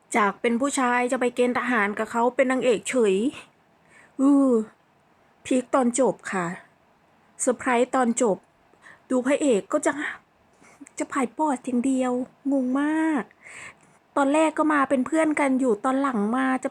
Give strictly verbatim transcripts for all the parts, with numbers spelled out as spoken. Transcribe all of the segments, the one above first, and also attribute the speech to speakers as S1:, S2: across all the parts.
S1: จากเป็นผู้ชายจะไปเกณฑ์ทหารกับเขาเป็นนางเอกเฉยอือพีคตอนจบค่ะเซอร์ไพรส์ตอนจบ ดูพระเอกก็จะจะผายปอดอย่างเดียวงงมาก ตอนแรกก็มาเป็นเพื่อนกันอยู่ตอนหลังมาจะ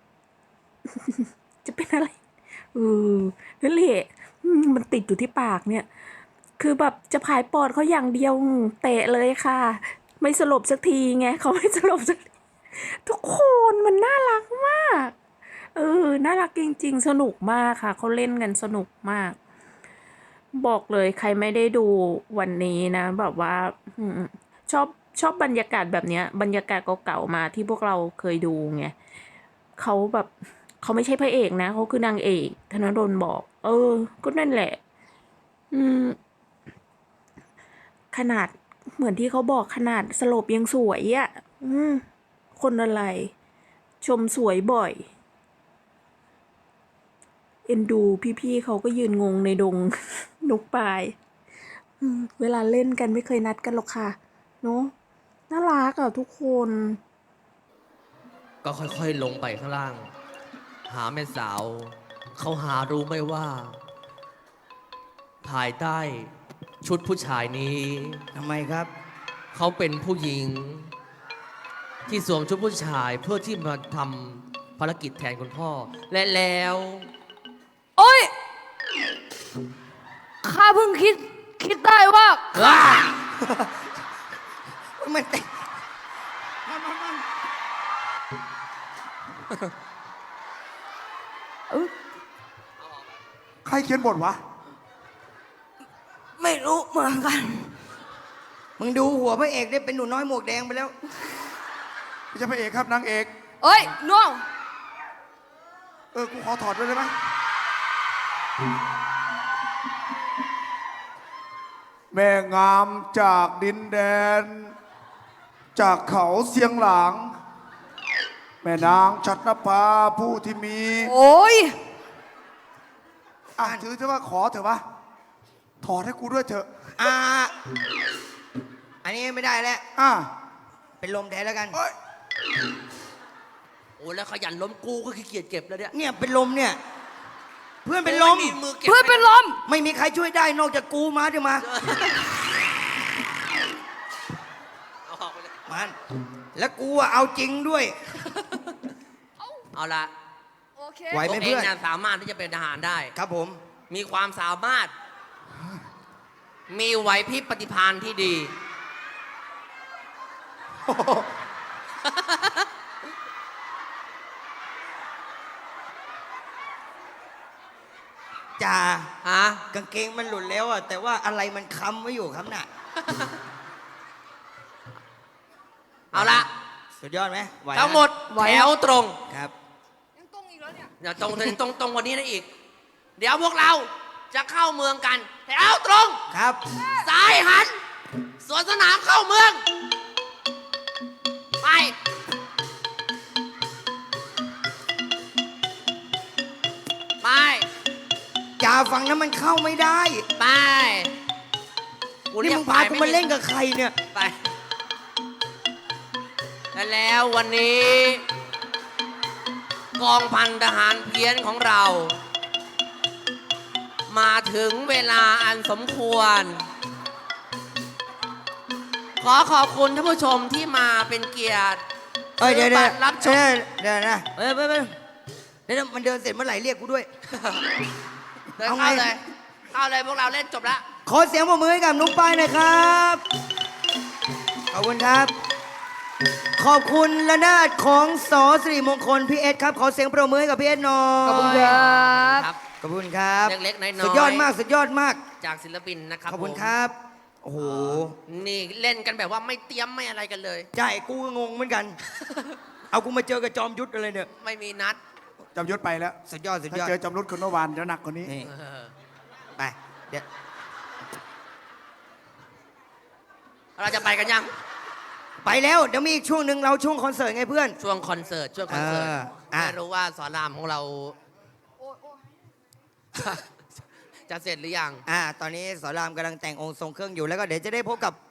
S1: จะเป็นอะไรเออนั่นแหละอืมมันติดอยู่ที่ปากเนี่ย คือแบบจะผายปอดเขาอย่างเดียวเตะเลยค่ะ ไม่สลบสักทีไงเขาไม่สลบสักทีทุกคนมันน่ารักมาก เออ น่ารักจริงๆ สนุกมากค่ะ เขาเล่นกันสนุกมาก บอกเลยใครไม่ได้ดูวันนี้นะ แบบว่าอืมชอบชอบบรรยากาศแบบเนี้ย บรรยากาศเก่าๆมาที่พวกเราเคยดูไงเขาแบบเขาไม่ใช่พระเอกนะเขาคือนางเอกธนดลบอก เออ ก็นั่นแหละ อืม ขนาดเหมือนที่เขาบอกขนาดสลบยังสวยอะ่ะ อืม คนอะไร ชมสวยบ่อย เอ็นดูพี่ๆเขาก็ยืนงงในดง นกปลายอืมเวลาเล่นกันไม่เคยนัดกันหรอกค่ะเนาะน่ารักอ่ะทุกคน
S2: ก็ค่อยๆลงไปข้างล่าง หาแม่สาว เขาหารู้ไหมว่า ภายใต้ชุดผู้ชายนี้
S3: ทำไมครับ
S2: เขาเป็นผู้หญิง ที่สวมชุดผู้ชายเพื่อที่มาทำภารกิจแทนคุณพ่อ และแล้ว
S4: โอ้ย ข้าเพิ่งคิด คิดได้ว่า
S3: มันเตะ
S5: ใครเขียนบทวะ
S3: ไม่รู้เหมือนกัน มึงดูหัวพระเอกได้เป็นหนูน้อยหมวกแดงไปแล้ว
S5: ไม่ใช่พระเอกครับนางเอก
S4: เอ้ยน้อง
S5: เออ กูขอถอดด้วยได้ไหมแม่งามจากดินแดน จากเขาเสียงหลาง แม่นางชัดนภาผู้ที่มี
S4: โอ้ย
S5: อ่ะถือเถอะว่าขอเถอะวะถอดให้กูด้วยเถอะ
S3: อ่า อันนี้ไม่ได้แล้ว
S5: อ่ะ
S3: เป็นลมแทนแล้วกัน
S5: เอ้ย
S2: โอ้แล้วขยันล้มกูก็ขี้เกียจเก็บแล้วเนี่ย
S3: เนี่ยเป็นลมเนี่ย เพื่อนเป็นลม
S2: โอ้ยมือเก็บ
S4: เพื่อนเป็นลม
S3: ไม่มีใครช่วยได้นอกจากกูมาเดี๋ยวมา
S2: เอาออกไปเลย
S3: มัน แล้วกูอะเอาจริงด้วย
S2: เอาละ
S4: โอเค
S3: ไหวไหม
S2: ตัวเอ
S3: เพื่
S2: ง
S3: อน
S2: เนี่ยสามารถที่จะเป็นทหารได้
S3: ครับผม
S2: มีความสามารถ มีไหวพริบปฏิภาณที่ดี
S3: จ่า
S2: ฮะ
S3: กางเกงมันหลุดแล้วอะแต่ว่าอะไรมันค้ำไว้อยู่ครับน่ะ
S2: เอาละ
S3: สุดยอดไหมไหวนะ
S2: ทั้งหมดแถวตรง
S3: ครับ
S4: ยังตรงอีกแล้วเนี่ย
S2: อย่าตรงตรงตรงตรงกวันนี้นะอีก เดี๋ยวพวกเราจะเข้าเมืองกัน แถวตรง
S3: ครับ
S2: ซ้ายหัน สวนสนามเข้าเมือง ไป ไป
S3: จ่าฝั่งนั้นมันเข้าไม่ได้
S2: ไป
S3: นี่มึงพากูมาเล่นกับใครเนี่ย
S2: ไป และแล้ววันนี้ กองพันทหารเพี้ยนของเรา มาถึงเวลาอันสมควร ขอขอบคุณท่านผู้ชมที่มาเป็นเกียรติ
S3: เอ้ยเดี๋ยว
S2: ซื้
S3: เดี๋
S2: อ
S3: ยว
S2: บัตรรับชม
S3: เดี๋ยวนะเอ้ยไปไปเดี๋ยวมันเดินเสร็จเมื่อไหร่เรียกกูด้วย
S2: เดิน
S3: เอาไง
S2: เข้าเลย เข้าเลยพวกเราเล่นจบแล้ว
S3: ขอเสียงปรบมือให้กับนุ๊กปายหน่อยครับ ขอบคุณครับ ขอบคุณระนาดของสอสิริมงคลพี่เอสครับ ขอเสียงปรบมือให้กับพี่เอสหน่อย
S4: ขอบคุณครับ
S2: ครับ
S3: ขอบคุณครับ
S2: เล็กๆน้อยๆ
S3: สุดยอดมากสุดยอดมาก
S2: จากศิลปินนะครับ
S3: ขอบคุณ
S2: ผม
S3: ครับ โอ้โห
S2: นี่เล่นกันแบบว่าไม่เตรียมไม่อะไรกันเลย
S3: ใช่กูก็งงเหมือนกัน เอากูมาเจอกับจอมยุทธอะไรเนี่ย
S2: ไม่มีนัด
S5: จำยศไปแล้ว
S3: สุดยอดสุด
S5: ถ้าย
S3: อด
S5: เจอจำรุดคนเมื่อวานเดี๋ยวหนักกว่านี้
S3: นี่
S2: เออ
S3: ไปเดี๋ยว
S2: เราจะไปกันยัง
S3: ไปแล้วเดี๋ยวมีอีกช่วงหนึ่งเราช่วงคอนเสิร์ตไงเพื่อน
S2: ช่วงคอนเสิร์ตช่วงคอนเสิร์ต
S3: เอออ่ะ
S2: ไม่รู้ว่าสอนรามของเรา
S4: โอ้ยโอ้ย
S2: จะเสร็จหรือยัง
S3: อ่า ตอนนี้สอนรามกำลังแต่งองค์ทรงเครื่องอยู่แล้วก็เดี๋ยวจะได้พบกับ